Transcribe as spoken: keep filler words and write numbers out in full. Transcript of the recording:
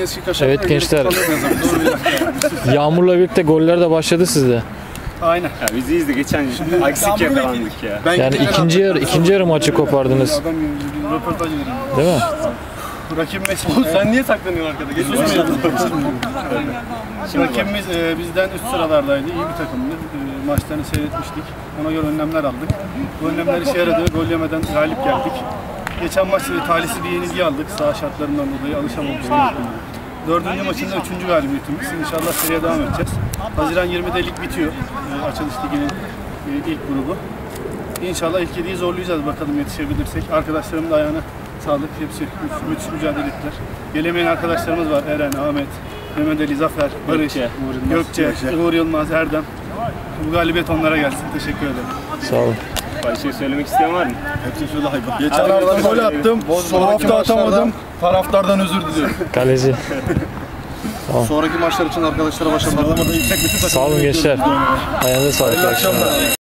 eski kaşar. Evet gençler. Yağmurla birlikte goller de başladı sizde. Aynen. Ya biz iyiyiz de geçen aksik yakalandık ya. Ben Yani ikinci yarı ikinci yarı maçı kopardınız. Adam gibi röportaj edelim. Değil mi? Rakibimiz, Sen niye saklanıyorsun arkada? Geç rakibimiz e, bizden üst sıralardaydı. İyi bir takımdı. E, maçlarını seyretmiştik. Ona göre önlemler aldık. Bu önlemler işe yaradı. Gol yemeden galip geldik. Geçen maç e, talihsiz bir yenilgi aldık. Saha şartlarından dolayı alışamamıştık. Dördüncü maçında üçüncü galibiyetimiz. İnşallah seriye devam edeceğiz. Haziran yirmide lig bitiyor. E, açılış liginin e, ilk grubu. İnşallah ilk yediyi zorlayacağız bakalım yetişebilirsek. Arkadaşlarımın da ayağına sağlık. Hepsi müthiş mücadele ettiler. Gelemeyen arkadaşlarımız var. Eren, Ahmet, Mehmet Ali, Zafer, Barış, Gökçe, Uğur Yılmaz, Erdem. Bu galibiyet onlara gelsin. Teşekkür ederim. Sağ olun. Bir şey söylemek isteyen var mı? Hepsi şöyle hayvan. Geçen hafta gol attım. Son hafta atamadım. Taraftardan özür diliyorum. Kaleci. Sonraki maçlar için arkadaşlara başarılar. Sağ olun gençler. Ayağınıza sağlık.